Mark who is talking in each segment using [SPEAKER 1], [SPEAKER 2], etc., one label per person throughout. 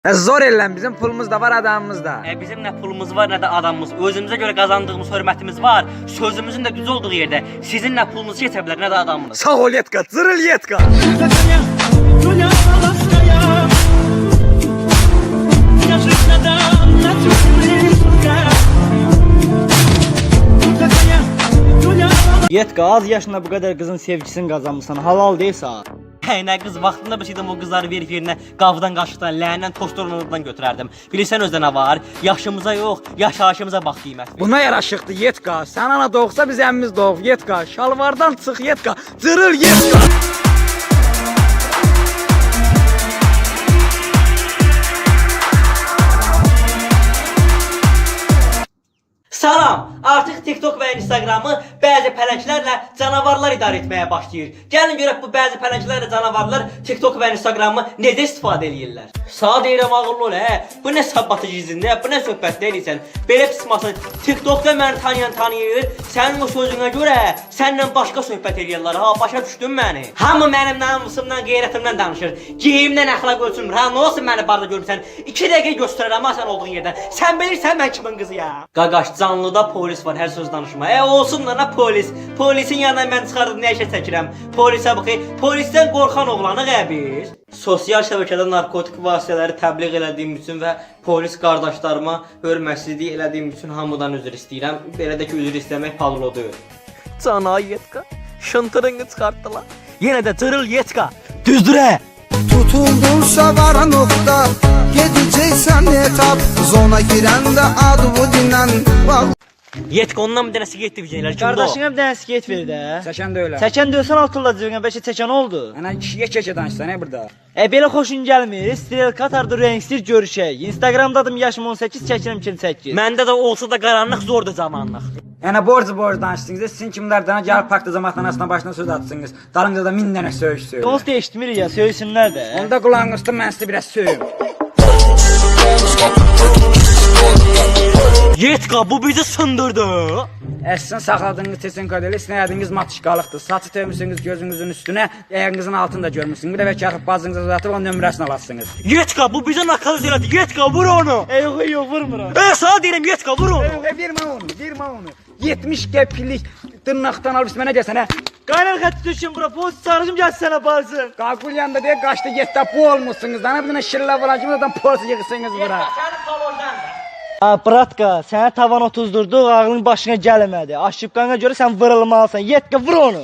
[SPEAKER 1] Zor eləm, bizim pulumuz da var, adamımız da.
[SPEAKER 2] Bizim nə pulumuz var, nə də adamımız. Özümüzə görə qazandığımız hörmətimiz var. Sözümüzün də düz olduğu yerdə sizin nə pulunuz yetə bilər, nə də adamınız.
[SPEAKER 1] Sağ ol Yetka, zırıl Yetka.
[SPEAKER 3] Yetka, az yaşında bu kadar kızın sevgisini kazanmışsan, halal değilse.
[SPEAKER 2] Nə qız vaxtında bilsəydim o qızları verib yerinə qavdan, qaşıqdan, ləyəndən, toştorundan götürərdim. Bilirsən özdə nə var? Yaşımıza yox, yaşayışımıza bax qiymət.
[SPEAKER 1] Buna yaraşıqdı Yetka. Sən ana doğsa biz əmmimiz doğub Yetka. Şalvardan çıx Yetka, zırıl Yetka.
[SPEAKER 2] Salam! Artıq TikTok və Instagramı bəzi pələnglərlə canavarlar idarə etməyə başlayır. Gəlin görək bu bəzi pələnglər və canavarlar TikTok və Instagramı necə istifadə edirlər. Sağa deyirəm ağıllı ol, Bu nə sabatıcı izinlə, bu nə söhbət deyirsən? Belə pismasın. TikTokda məni tanıyır. Sənin o sözünə görə səninlə başqa söhbət edirlər. Ha, başa düşdün məni? Hamı mənim namusumdan, qeyrətimdən danışır. Geyimdən əxlaq ölçülmür. Ha, nə olsun məni barda görmüsən? 2 dəqiqə göstərərəm ha sən olduğun yerdən. Sən bilirsən mən kimin qızıyam? Qaqaş, canlıda polis var, hər söz danışma. Olsun da nə polis? Polisin yanından mən çıxardım, nə işə çəkirəm? Polisə baxı, polisdən qorxan oğlanı qəbir. Sosial şəbəkədə narkotik vasitələri təbliğ elədiyim üçün və polis qardaşlarıma hörmətsizlik elədiyim üçün hamıdan üzr istəyirəm. Belə də ki, üzr istəmək pavlodur. Cana Yetka, şıntırını çıxartdılar. Yenə də cırıl Yetka, düzdürə.
[SPEAKER 4] Tutuldunsa var nokta, gedeceksen etap, zona girende adı bu dinlen.
[SPEAKER 2] Yetka ondan bir dənə siqet divizyonelər kimdə o?
[SPEAKER 3] Kardeşine bir tane siket ver de.
[SPEAKER 1] Çəkən də öyle.
[SPEAKER 3] Çeken diyorsan altırla cebine, beşe çeken oldu.
[SPEAKER 1] Ana kişiyə keçə danışsan burada.
[SPEAKER 3] Belə xoşun gəlmir, stil Katar'da renksiz görüşək. Instagram'dadım, yaşım 18, çəkirəm 28.
[SPEAKER 2] Məndə də olsa da qaranlıq zordur zamanlıq.
[SPEAKER 1] Yəni borc danışdınız. Sizin kimlərdən gəlib parkda cəmaatxanasına başına söz atsınız. Dalınca da 1000 dənə söyüş söyür.
[SPEAKER 3] Dost değiştirmir ya, söylesünler de.
[SPEAKER 1] Onda qulağınız tutun, mən sizə biraz söyüm.
[SPEAKER 2] Yetka, bu bizi sındırdı.
[SPEAKER 1] Əslin saxladığınız tesinkadelə sinəyədiniz matışqalıqdır. Saçı tövmüsünüz gözünüzün üstünə, ayağınızın altını da görmüsünüz. Bir də vəkərxib bazınızı uzatıb onun nömrəsini alasınız.
[SPEAKER 2] Yetka, bu bizi nakaz elədi. Yetka, vur onu.
[SPEAKER 3] Yok vurmuram.
[SPEAKER 2] Sana deyirəm Yetka, vur onu.
[SPEAKER 1] Vermə onu. 70 qəpiklik dırnaqdan alıb mənə desən,
[SPEAKER 3] Kaynar xətti düşün bura, polis çağırıcım gəlsin sənə barsın.
[SPEAKER 1] Qaqul yanında deyə qaçdı getdə bu olmuşsunuz. Dana bir dənə şirlə vuracım, oradan polis yığısınız bura.
[SPEAKER 2] Sənin palordan da.
[SPEAKER 3] Bratka, sənə tavan otuzdurduq, ağlın başına gəlmədi. Aşıbqana görə sən vırılmalısan. Yetka, vur onu.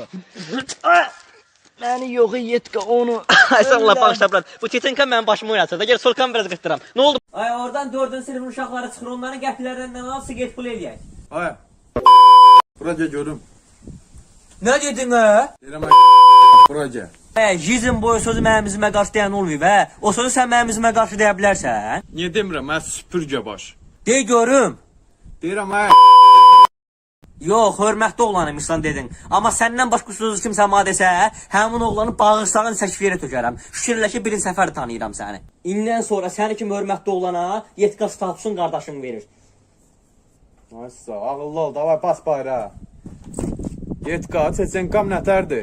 [SPEAKER 3] Məni yox, Yetka, onu.
[SPEAKER 2] Əsəblə bağışla, brat. Bu titinka mənim başımı oynatır da, gəl solkan biraz qırtıram. Nə oldu? Ay, oradan 4-cü sinifin uşaqları çıxır, onların qəpiklərindən al, siqet pul eləyək.
[SPEAKER 5] Ay. Bura görüm.
[SPEAKER 2] Nə dedin, hə?
[SPEAKER 5] Deyirəm bura gəl.
[SPEAKER 2] Jizm boyu sözü mənim üzümə qarşı deyən olmayıb, hə? O sözü sən mənim üzümə qarşı deyə bilərsən?
[SPEAKER 5] Niyə demirəm? Mən süpürgə baş.
[SPEAKER 2] Dey görüm.
[SPEAKER 5] Deyirəm ay.
[SPEAKER 2] Yox, hörmətli oğlanıymışsan dedin. Amma səndən başqa sözü kimsə mənə desə, həmin oğlanı bağırsağın səkfiyerə tökərəm. Şükürlə ki, birinci səfər tanıyıram səni. İndən sonra səni kimi hörmətli oğlana Yetka statusun qardaşım verir.
[SPEAKER 5] Aysa, ağıllı ol, davay bas bayrağı. Yetka, çeçenkam nətərdir?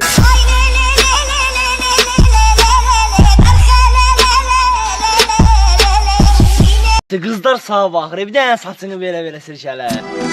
[SPEAKER 3] Qızlar sağa baxır, bir dənə saçını belə sirkələ.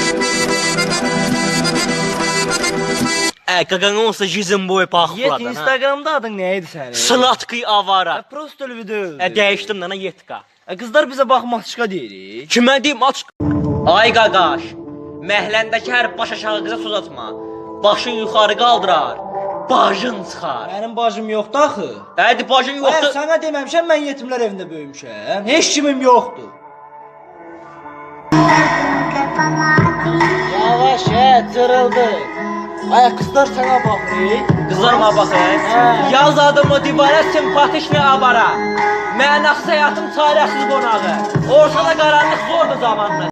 [SPEAKER 2] Qaqan olsa jizm boyu baxıb
[SPEAKER 3] Yet,
[SPEAKER 2] buradan, ha?
[SPEAKER 3] Instagramda adın nə idi sənin?
[SPEAKER 2] Slatki avara.
[SPEAKER 3] Prosto video.
[SPEAKER 2] Dəyişdim dana Yetka.
[SPEAKER 3] Qızlar bizə baxmaq çıxa deyirik.
[SPEAKER 2] Kimə deyim aç. Ay qaqaş, məhləndəki hər baş aşağı qıza söz atma. Başın yuxarı qaldırar, bacın çıxar.
[SPEAKER 3] Mənim bacım yoxdur axı.
[SPEAKER 2] Hadi bacın yoxdur.
[SPEAKER 3] Sənə deməmişəm, mən yetimlər evində böyümüşəm. Heç kimim yoxdur. Yavaş, cırıldı. Ay, qızlar sənə baxır.
[SPEAKER 2] Qızlar mənə baxır. Yaz adımı divara simpatişni avara. Mənaqs həyatım çarəsiz qonağı. Ortada qaranlıq zordur zamanlı.